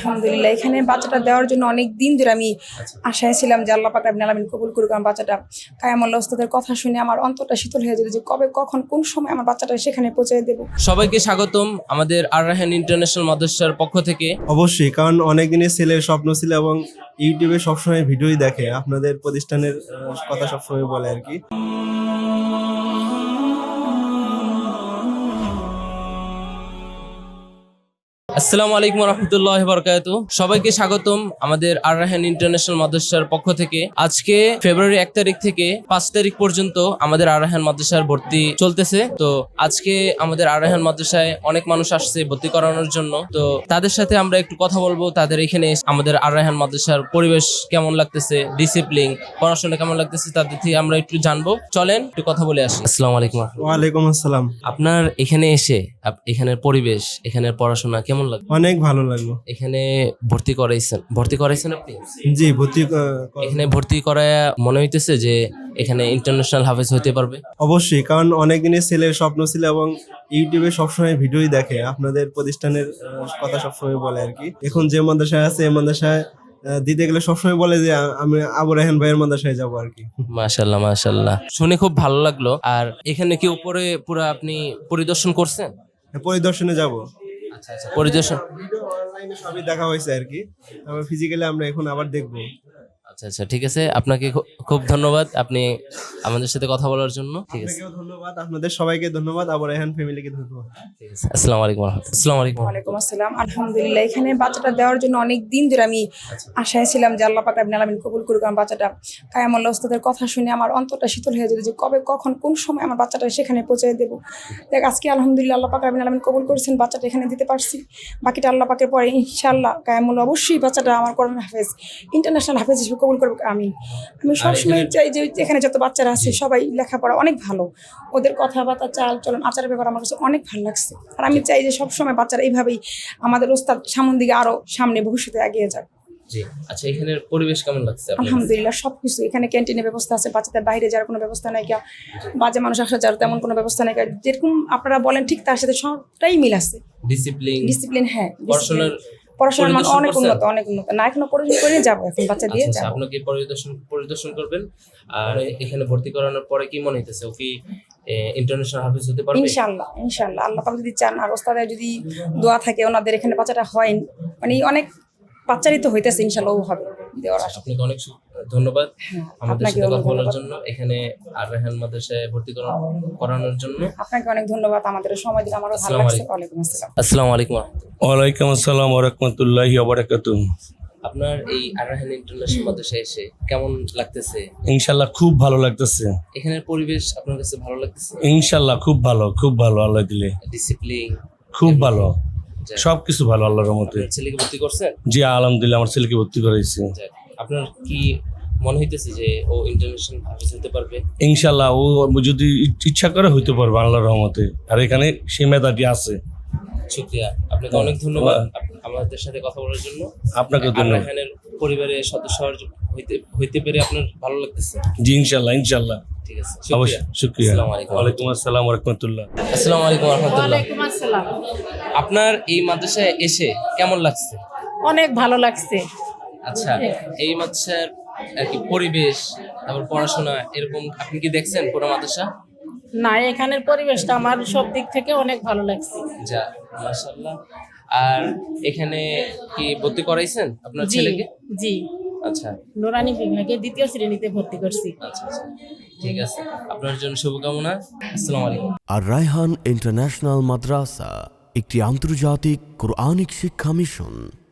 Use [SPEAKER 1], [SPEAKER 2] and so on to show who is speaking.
[SPEAKER 1] আলহামদুলিল্লাহ, এখানে বাচ্চাটা দেওয়ার জন্য অনেক দিন ধরে আমি আশায় ছিলাম যে আল্লাহ পাক রাব্বুল আলামিন কবুল করুক। আমার বাচ্চাটা কায়ামুল্লাহ ওস্তাদের কথা শুনে আমার অন্তরটা শীতল হয়ে যেত যে কবে কখন কোন সময় আমার বাচ্চাটা সেখানে পৌঁছে দেবো।
[SPEAKER 2] সবাইকে স্বাগতম আমাদের আর রায়হান ইন্টারন্যাশনাল মাদ্রাসার পক্ষ থেকে।
[SPEAKER 3] অবশ্যই, কারণ অনেক দিনের ছেলের স্বপ্ন ছিল এবং ইউটিউবে সবসময় ভিডিওই দেখে, আপনাদের প্রতিষ্ঠানের কথা সবসময় বলে আর কি।
[SPEAKER 2] আসসালামু আলাইকুম রহমতুল্লাহি বারাকাতুহু। সবাইকে স্বাগতম আমাদের আর রায়হান ইন্টারন্যাশনাল মাদ্রাসার পক্ষ থেকে। আজকে ফেব্রুয়ারি 1 তারিখ থেকে 5 তারিখ পর্যন্ত আমাদের আর রায়হান মাদ্রাসার ভর্তি চলতেছে। তো আজকে আমাদের আর রায়হান মাদ্রাসায় অনেক মানুষ আসছে ভর্তি করানোর জন্য। তো তাদের সাথে আমরা একটু কথা বলবো, তাদের এখানে আমাদের আর রায়হান মাদ্রাসার পরিবেশ কেমন লাগতেছে, ডিসিপ্লিন, পড়াশোনা কেমন লাগতেছে, তাদের থেকে আমরা একটু জানবো। চলেন একটু কথা বলে আসি। আসসালামু আলাইকুম।
[SPEAKER 3] ওয়ালাইকুম আসসালাম।
[SPEAKER 2] আপনার এখানে এসে এখানের পরিবেশ, এখানের পড়াশোনা কেমন লাগে?
[SPEAKER 3] অনেক ভালো লাগলো।
[SPEAKER 2] এখানে ভর্তি করাইছেন আপনি?
[SPEAKER 3] জি, ভর্তি
[SPEAKER 2] এখানে ভর্তি করায় মনে হইতেছে যে এখানে ইন্টারন্যাশনাল হাফেজ হতে পারবে?
[SPEAKER 3] অবশ্যই, কারণ অনেক দিনের ছেলের স্বপ্ন ছিল এবং ইউটিউবে সবসময় ভিডিওই দেখে, আপনাদের প্রতিষ্ঠানের কথা সবসময় বলে আর কি। এখন যে মাদ্রাসায় আছে এই মাদ্রাসায় দিতে গেলে সবসময় বলে যে আমি আবু রায়হান ভাইয়ের মাদ্রাসায় যাবো আর কি।
[SPEAKER 2] মাশাআল্লাহ মাশাআল্লাহ, শুনে খুব ভালো লাগলো। আর এখানে কি উপরে পুরো আপনি পরিদর্শন করছেন?
[SPEAKER 3] পরিদর্শনে যাব।
[SPEAKER 2] আচ্ছা আচ্ছা, পরিদর্শন
[SPEAKER 3] ভিডিও অনলাইনে সবই দেখা হয়েছে আর কি, তারপর ফিজিক্যালি আমরা এখন আবার দেখবো।
[SPEAKER 2] আচ্ছা আচ্ছা, ঠিক আছে। আপনাকে খুব ধন্যবাদ আপনি আমাদের সাথে কথা বলার জন্য। ঠিক আছে,
[SPEAKER 3] আপনাকেও ধন্যবাদ, আপনাদের সবাইকে ধন্যবাদ, আবু রায়হান ফ্যামিলিকে ধন্যবাদ।
[SPEAKER 2] ঠিক আছে। আসসালামু আলাইকুম। আসসালামু আলাইকুম।
[SPEAKER 1] ওয়ালাইকুম আসসালাম। আলহামদুলিল্লাহ, এখানে বাচ্চাটা দেওয়ার জন্য অনেক দিন ধরে আমি আশায় ছিলাম যে আল্লাহ পাক রাব্বুল আলামিন কবুল করুক। আমার বাচ্চাটা কায়ামুল্লাহ ওস্তাদের কথা শুনে আমার অন্তরটা শীতল হয়ে যেত যে কবে কখন কোন সময় আমার বাচ্চাটা সেখানে পৌঁছে দেবো। দেখ আজকে আলহামদুলিল্লাহ আল্লাহ পাক রাব্বুল আলামিন কবুল করেছেন, বাচ্চাটা এখানে দিতে পারছি। বাকিটা আল্লাহ পাকের পরে ইনশাআল্লাহ কায়ামুল্লাহ অবশ্যই বাচ্চাটা আমার কোরআন হাফেজ, ইন্টারন্যাশনাল হাফেজ হিসেবে কবুল করবে। আমি সবসময় চাই যে এখানে যত বাচ্চারা আছে সবাই লেখাপড়া অনেক ভালো, ওদের কথাবার্তা, চাল চলন, আচারের ব্যাপার আমার কাছে অনেক ভালো লাগছে। আর আমি চাই যে সবসময় বাচ্চারা এইভাবেই আমাদের ওস্তাদ সামনের দিকে আরো সামনে ভবিষ্যতে এগিয়ে যাক।
[SPEAKER 2] জি, আচ্ছা, এখানের পরিবেশ কেমন লাগছে আপনার?
[SPEAKER 1] আলহামদুলিল্লাহ, সবকিছু এখানে ক্যান্টিনের ব্যবস্থা আছে, বাচ্চাদের বাইরে যাওয়ার কোনো ব্যবস্থা নাই, বাজে মানুষ আসা যাওয়ার তেমন কোনো ব্যবস্থা নাই। যেরকম আপনারা বলেন ঠিক তার সাথে সবটাই মিল আছে। ডিসিপ্লিন, হ্যাঁ, পড়াশোনার মান অনেক উন্নত, অনেক উন্নত। না এখনো পড়াশোনা করে যাবো, এখন বাচ্চা দিয়ে যাবো।
[SPEAKER 2] আপনাকে পরিদর্শন করবেন। আর এখানে ভর্তি করানোর পরে কি মনে হইতেছে, ও কি ইন্টারন্যাশনাল হাফেজ হতে পারবে?
[SPEAKER 1] ইনশাআল্লাহ ইনশাআল্লাহ, আল্লাহ পাক যদি চান আর ওস্তাদের যদি দোয়া থাকে, ওনাদের এখানে বাচ্চাটা হয়, মানে অনেক বাচ্চারই তো হইতেছে, ইনশাআল্লাহ ও হবে দেওয়ার আশা।
[SPEAKER 2] আপনাকে অনেক ধন্যবাদ আমাদের সাথে কথা বলার
[SPEAKER 1] ধন্যবাদ।
[SPEAKER 2] জন্য, এখানে আর রায়হান মাদ্রাসায় ভর্তি করানোর জন্য।
[SPEAKER 1] আপনাকে অনেক ধন্যবাদ, আমাদের সময় দিলে আমারও ভালো লাগছে। ওয়ালাইকুম আসসালাম।
[SPEAKER 2] আসসালামু আলাইকুম।
[SPEAKER 4] ওয়ালাইকুম আসসালাম ওয়া রাহমাতুল্লাহি ওয়া বারাকাতুহু।
[SPEAKER 2] আপনার এই আর রায়হান ইন্টারন্যাশনাল মাদ্রাসায় এসে কেমন লাগতেছে?
[SPEAKER 4] ইনশাআল্লাহ খুব ভালো লাগতেছে।
[SPEAKER 2] এখানের পরিবেশ আপনার কাছে ভালো লাগতেছে?
[SPEAKER 4] ইনশাআল্লাহ খুব ভালো, আল্লাহ দিলে
[SPEAKER 2] ডিসিপ্লিন
[SPEAKER 4] খুব ভালো, সবকিছু ভালো আল্লাহর রহমতে।
[SPEAKER 2] আপনার ছেলেকে ভর্তি করছেন?
[SPEAKER 4] জি আলহামদুলিল্লাহ, আমার ছেলেকে ভর্তি করাইছি।
[SPEAKER 2] আপনার কি মনে হইতেছে যে ও ইন্টারন্যাশনাল হাফেজ হতে পারবে?
[SPEAKER 4] ইনশাআল্লাহ ও যদি ইচ্ছা করে হইতে পারবে আল্লাহর রহমতে, আর এখানে সেই মেধাটি আছে।
[SPEAKER 2] শুকরিয়া, আপনাকে অনেক ধন্যবাদ আমাদের সাথে কথা বলার জন্য।
[SPEAKER 4] আপনাকে
[SPEAKER 2] আর
[SPEAKER 4] ধন্যবাদ।
[SPEAKER 2] রায়হানের পরিবারের সদস্য হইতে পেরে আপনার ভালো লাগতেছে?
[SPEAKER 4] জি ইনশাআল্লাহ।
[SPEAKER 2] ঠিক আছে,
[SPEAKER 4] অবশ্যই, শুকরিয়া।
[SPEAKER 2] আসসালামু আলাইকুম।
[SPEAKER 4] ওয়ালাইকুম আসসালাম ওয়া রাহমাতুল্লাহ।
[SPEAKER 2] আসসালামু আলাইকুম ওয়া রাহমাতুল্লাহ।
[SPEAKER 5] ওয়ালাইকুম আসসালাম।
[SPEAKER 2] আপনার এই মাদ্রাসায় এসে কেমন লাগছে?
[SPEAKER 5] অনেক ভালো লাগছে।
[SPEAKER 2] আচ্ছা, এই মাদ্রাসার আর কি পরিবেশ, তারপর পড়াশোনা, এরকম আপনি কি দেখছেন পুরো মাদ্রাসা?
[SPEAKER 5] না, এখানের পরিবেশটা আমার সব দিক থেকে অনেক ভালো লাগছে।
[SPEAKER 2] যা, মাশাআল্লাহ। আর এখানে কি ভর্তি করাইছেন আপনার
[SPEAKER 5] জি
[SPEAKER 2] ছেলেকে?
[SPEAKER 5] জি,
[SPEAKER 2] আচ্ছা
[SPEAKER 5] নুরানি বিভাগে 2য় শ্রেণীতে ভর্তি করছি।
[SPEAKER 2] আচ্ছা, ঠিক আছে, আপনার জন্য শুভকামনা। আসসালামু আলাইকুম।
[SPEAKER 6] আর রায়হান ইন্টারন্যাশনাল মাদ্রাসা একটি আন্তর্জাতিক কোরআনিক শিক্ষা মিশন।